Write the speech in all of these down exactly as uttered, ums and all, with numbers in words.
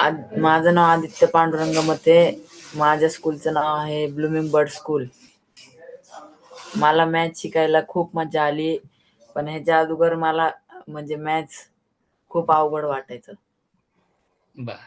आद माझं नाव आदित्य पांडुरंग मते. माझ्या स्कूलचं नाव आहे ब्लूमिंग बर्ड स्कूल. मला मॅथ्स शिकायला खूप मजा आली. पण ह्याच्या अगोदर मला म्हणजे मॅथ्स खूप अवघड वाटायचं. बरं.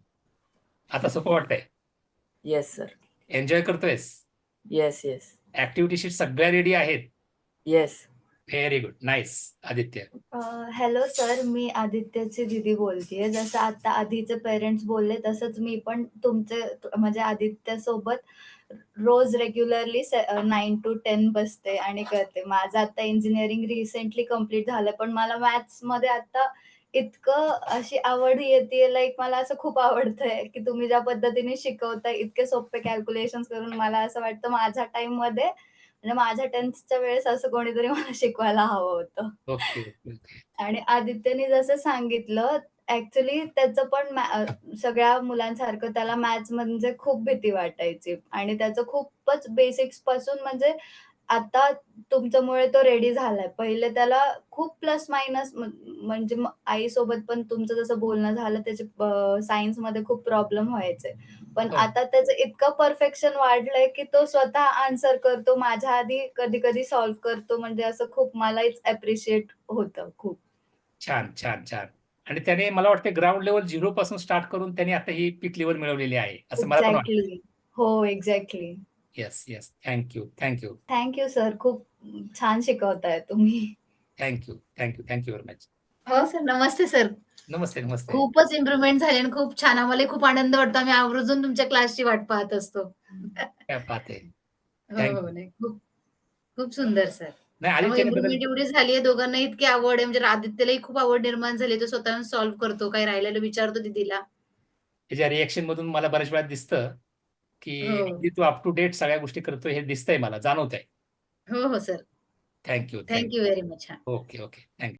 आता सोपं वाटतंय? Yes sir. एन्जॉय करतोयस? Yes, yes. ॲक्टिव्हिटी शीट सगळ्या रेडी आहेत? Yes. Very good. Nice. Aditya. अ, हॅलो सर, मी आदित्यची दीदी बोलतीये. जसं आता आधीचे पेरेंट्स बोलले तसंच मी पण तुमचे म्हणजे आदित्यसोबत रोज रेग्युलरली से अ, नाईन टू टेन बसते आणि करते. माझं आता इंजिनिअरिंग रिसेंटली कंप्लीट झालं. पण मला मॅथ्समध्ये आता इतकं अशी आवड येतीये लाइक मला असं खूप आवडतंय, की तुम्ही ज्या पद्धतीने शिकवताय इतके सोपे कॅल्क्युलेशन्स करून मला असं वाटतं माझ्या टाईममध्ये म्हणजे माझ्या टेन्थच्या वेळेस असं कोणीतरी मला शिकवायला हवं होतं. Okay, okay, okay. आणि आदित्यने जसं सांगितलं ॲक्चुअली त्याचं पण मॅ अ, सगळ्या मुलांसारखं त्याला मॅथ्स म्हणजे खूप भीती वाटायची आणि त्याचं खूपच बेसिक्सपासून म्हणजे आता तुमच्यामुळे तो रेडी झालाय. पहिले त्याला खूप प्लस मायनस म्ह म्हणजे मग आईसोबत पण तुमचं जसं बोलणं झालं त्याचे अ, सायन्समध्ये खूप प्रॉब्लेम व्हायचे. पण हो. आता त्याचं इतकं परफेक्शन वाढलंय, की तो स्वतः आन्सर करतो. माझ्या आधी कधी-कधी सॉल्व्ह करतो. म्हणजे असं खूप मलाच ॲप्रिशिएट होतं खूप. छान, छान, छान. आणि त्याने मला वाटतं ग्राउंड लेव्हल झिरो पासून स्टार्ट करून त्याने आता ही पीक लेव्हल मिळवलेली आहे, असं मला पण वाटतंय. एक्झॅक्टली. हो, exactly. Yes, yes. Thank you, thank you. Thank you sir. खूप छान शिकवताय तुम्ही. Thank you, thank you, thank you very much. हो सर. नमस्ते सर. नमस्ते, नमस्ते. खूपच इम्प्रुव्हमेंट झाली आणि खूप छान. आम्हालाही खूप आनंद वाटतो. आम्ही आवर्जून तुमच्या क्लासची वाट पाहत असतो. क्या बात है! हो, थँक हो. यू. नाही खूप खूप सुंदर सर. नाही त्यामुळे आदित्यने बदल इम्प्रुव्हमेंट एवढी झाली आहे, दोघांनाही इतकी आवड आहे म्हणजे आदित्यलाही खूप आवड निर्माण झाली. तो स्वतःहून सॉल्व्ह करतो, काही राहिलेलं विचारतो दीदीला. त्याच्या रिएक्शनमधून मला बऱ्याच वेळा दिसतं, की हो. अगदी तू अप टू डेट सगळ्या गोष्टी करतोय हे दिसतंय मला, जाणवतंय. हो, हो sir. Thank you, thank thank you very much. हां. Okay, okay. थँक